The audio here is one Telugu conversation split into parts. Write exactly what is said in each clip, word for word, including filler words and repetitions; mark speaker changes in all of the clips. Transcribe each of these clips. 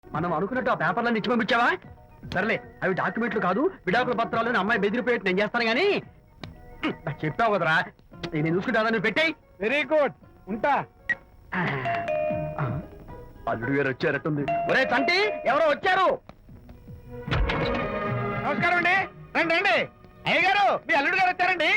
Speaker 1: మనం అనుకున్నట్టు ఆ పేపర్లను ఇచ్చి పంపించావా? సర్లే, అవి డాక్యుమెంట్లు కాదు, విడాకుల పత్రాలు. అమ్మాయి బెదిరిపోయేట్టు నేను చేస్తాను గానీ చెప్పావు కదరా, నేను చూసుకుంటా. నువ్వు పెట్టాయి.
Speaker 2: వెరీ గుడ్, ఉంటా.
Speaker 1: అల్లుడు గారు వచ్చారట్టుంది. ఒరే తంటి, ఎవరో వచ్చారు.
Speaker 2: నమస్కారం అండి. రండి రండి. అయ్య గారు, మీ అల్లుడు గారు వచ్చారండి.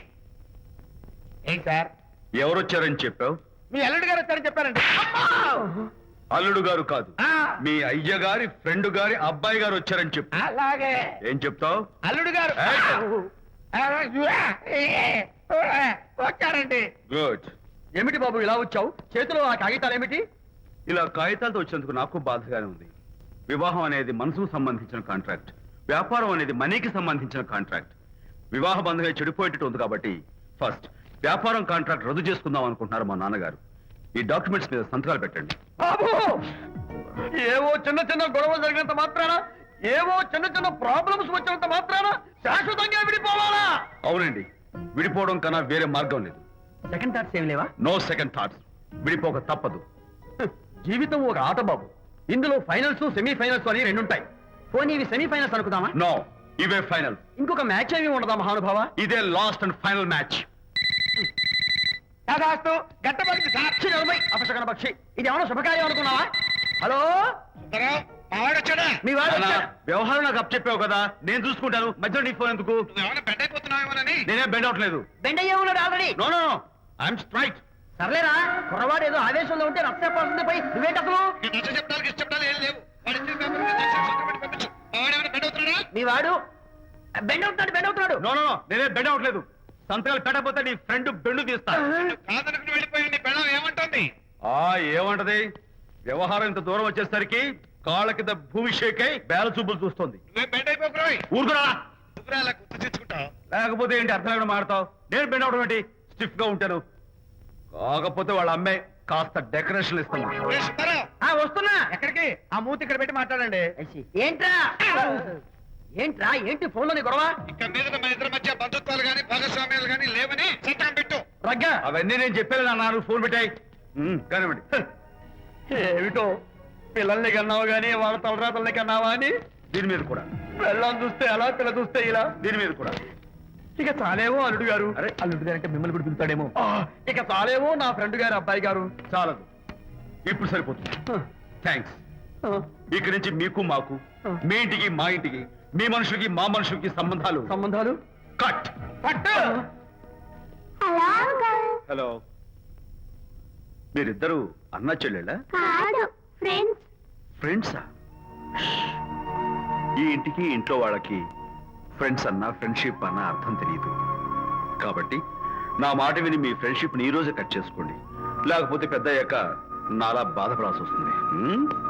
Speaker 2: ఏంటి సార్?
Speaker 3: ఎవరు వచ్చారని చెప్పావు?
Speaker 2: మీ అల్లుడు గారు వచ్చారని చెప్పారండి.
Speaker 3: అల్లుడు గారు కాదు, మీ అయ్య గారి ఫ్రెండ్ గారి అబ్బాయి గారు వచ్చారని చెప్పు.
Speaker 2: అలాగే.
Speaker 3: ఏం చెప్తావు?
Speaker 2: అల్లుడు గారు వచ్చారండి.
Speaker 3: గుడ్.
Speaker 1: ఏమిటి బాబు ఇలా వచ్చావు? చేతిలో ఆ కాగితాలు ఏమిటి?
Speaker 3: ఇలా కాగితాలతో వచ్చినందుకు నాకు బాధగానే ఉంది. వివాహం అనేది మనసుకు సంబంధించిన కాంట్రాక్ట్, వ్యాపారం అనేది మనీకి సంబంధించిన కాంట్రాక్ట్. వివాహ బంధంగా చెడిపోయేటట్టు ఉంది కాబట్టి ఫస్ట్ వ్యాపారం కాంట్రాక్ట్ రద్దు చేసుకుందాం అనుకుంటున్నారు మా నాన్నగారు. ఈ డాక్యుమెంట్స్ మీద సంతకాలు పెట్టండి.
Speaker 1: బాబు, ఏవో చిన్న చిన్న గొడవలు జరిగినంత మాత్రాన, ఏవో చిన్న చిన్న ప్రాబ్లమ్స్ వచ్చినంత మాత్రాన శాశ్వతంగా విడిపోవాలా?
Speaker 3: అవునండి, విడిపోవడం కన్నా వేరే మార్గం లేదు.
Speaker 1: సెకండ్ థాట్స్ ఏం లేవా?
Speaker 3: No second thoughts. విడిపోక తప్పదు.
Speaker 1: జీవితం ఒక ఆట బాబు. ఇందులో ఫైనల్స్, సెమీఫైనల్స్ అని రెండు ఉంటాయి. పోనీ ఇవి సెమీఫైనల్స్ అనుకుందామా?
Speaker 3: నో, ఇవే ఫైనల్.
Speaker 1: ఇంకొక మ్యాచ్ ఏమి ఉండదా మహానుభావ?
Speaker 3: ఇదే లాస్ట్ అండ్ ఫైనల్ మ్యాచ్.
Speaker 2: దాదాస్తు గట్టపడింది సార్.
Speaker 1: అపశకన పక్షి, ఇది ఏమన్నా శుభకార్యం అనుకున్నావా? హలో, మీ వాడు వచ్చాడు.
Speaker 3: వ్యవహారం నాకు అప్ చెప్పావు కదా, నేను చూసుకుంటాను. మధ్యలో నీ ఫోన్ ఎందుకు?
Speaker 2: బెండ్ అయిపోతున్నావేమోనని.
Speaker 3: నేనే బెండ్ అవట్లేదు.
Speaker 1: బెండ్ అయ్యే ఉన్నాడు already.
Speaker 3: No no, I'm straight.
Speaker 1: సర్లేరా, కుర్రవాడు ఏదో ఆవేశంలో ఉంటే రక్తపోతుంది పై నువ్వేంటి అసలు? మీ వాడు బెండ్ అవుతున్నాడు, బెండ్ అవుతున్నాడు.
Speaker 3: నో నో, నేనే బెండ్ అవట్లేదు. సంతకాలు పెట్టకపోతే నీ ఫ్రెండ్ బెండు తీస్తా.
Speaker 2: ఏమంటుంది?
Speaker 3: ఆ ఏమంటది? వ్యవహారం ఇంత దూరం వచ్చేసరికి కాళ్ళ కింద భూమి షేకై బేల చూపులు చూస్తుంది.
Speaker 2: బెండ్ అయిపోయి
Speaker 3: ఊరుకురా.
Speaker 2: గుర్తు తెచ్చుకుంటావు.
Speaker 3: లేకపోతే ఏంటి అర్థం లేకుండా మాడతావు? నేను బెండ్ అవడం ఏంటి? స్టిఫ్ గా ఉంటాను. కాకపోతే వాళ్ళ అమ్మాయి కాస్త డెకరేషన్ ఇస్తాను.
Speaker 1: వస్తున్నా.
Speaker 2: ఎక్కడికి? ఆ మూతి ఇక్కడ పెట్టి మాట్లాడండి.
Speaker 1: ఏంట్రా ఏంట్రా ఏంటి ఫోన్ లోని గొడవ?
Speaker 2: ఇక్కడ మీద మన ఇద్దరి మధ్య బంధుత్వాలు గాని భాగస్వామ్యాలు గాని లేవని చట్టం పెట్టు.
Speaker 1: రగ్గా,
Speaker 3: అవన్నీ నేను చెప్పాను అన్నారు. ఫోన్ పెట్టాయి కానివ్వండి.
Speaker 1: ఏమిటో పిల్లల్ని కన్నావు గానీ వాళ్ళ తలరాతల్ని కన్నావా అని.
Speaker 3: దీని మీద కూడా
Speaker 1: పిల్లల్ని చూస్తే అలా, పిల్ల చూస్తే ఇలా.
Speaker 3: దీని మీద కూడా
Speaker 1: ఇక చాలేమో అల్లుడు గారు.
Speaker 3: అరే,
Speaker 1: అల్లుడు గారు అంటే మిమ్మల్ని కూడా పిలుతాడేమో. ఇక చాలేమో నా ఫ్రెండ్ గారు అబ్బాయి గారు.
Speaker 3: చాలదు, ఇప్పుడు సరిపోతుంది. థ్యాంక్స్. ఇక్కడి నుంచి మీకు మాకు, మీ ఇంటికి మా ఇంటికి, మీ మనుషులకి మా మనుషులకి సంబంధాలు
Speaker 1: సంబంధాలు
Speaker 3: కట్.
Speaker 1: పట్టు.
Speaker 3: హలో, మీరిద్దరు అన్నా చెల్లెళ్ళా? ఫ్రెండ్సా? ఈ ఇంటికి ఇంట్లో వాళ్ళకి ఫ్రెండ్స్ అన్నా ఫ్రెండ్షిప్ అన్న అర్థం తెలియదు. కాబట్టి నా మాట విని మీ ఫ్రెండ్షిప్ ని ఈ రోజే కట్ చేసుకోండి. లేకపోతే పెద్ద అయ్యాక నాలా బాధపడాల్సి వస్తుంది.